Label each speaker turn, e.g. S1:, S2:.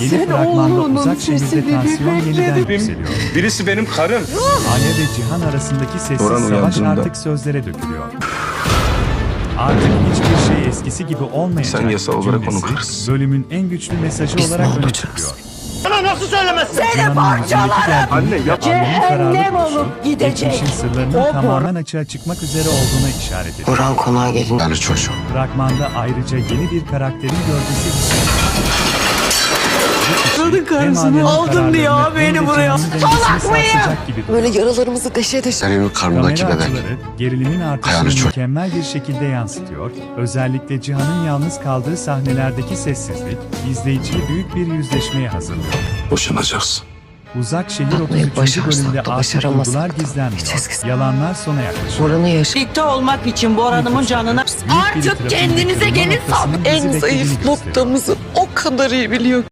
S1: Yeni fragmanda uzak şehirde tansiyon yeniden yükseliyor.
S2: Birisi benim karım.
S1: Aya ve Cihan arasındaki sessiz
S2: Orhan
S1: savaş
S2: uyandığında-
S1: artık sözlere dökülüyor. Artık hiçbir şey eskisi gibi olmayacak.
S2: Sen yasal olarak onu
S1: cümlesi
S2: karısın.
S1: bölümün en güçlü mesajı
S3: Biz
S1: olarak
S3: ne
S1: öne
S3: olacağız?
S1: çıkıyor.
S4: Seni parçalarım.
S2: Anne yap.
S4: Cehennem olup gidecek.
S1: Geçmişin sırlarının tamamen açığa çıkmak üzere olduğuna işaret ediyor.
S3: Orhan konağa gelin.
S5: Yani çocuğum.
S1: Fragmanda ayrıca yeni bir karakterin gölgesi
S3: Kadın karısını aldın diye beni buraya.
S1: Salak mıyım?
S3: Böyle yaralarımızı deşe deşe.
S5: Senin karnındaki
S1: Kamera
S5: bebek.
S1: açıları gerilimin
S5: Ayağını
S1: artışını
S5: çök.
S1: mükemmel bir şekilde yansıtıyor. Özellikle Cihan'ın yalnız kaldığı sahnelerdeki sessizlik izleyiciyi büyük bir yüzleşmeye hazırlıyor.
S5: Boşanacaksın.
S1: Uzak Şehir
S3: Yapmayı
S1: 33.
S3: başarsak
S1: bölümde
S3: da
S1: artık
S3: başaramazsak
S1: duygular
S3: da
S1: gizlenmiyor.
S3: hiç eskisi-
S1: Yalanlar sona yaklaşıyor.
S3: Oranı yaşa.
S4: Birlikte olmak için Boran'ımın canına...
S1: Büyük bir trafiğin
S4: kendinize
S1: kırılma
S4: gelin
S1: noktasının bizi
S3: En
S1: beklediğini
S3: zayıf
S1: gösteriyor.
S3: noktamızı o kadar iyi biliyor.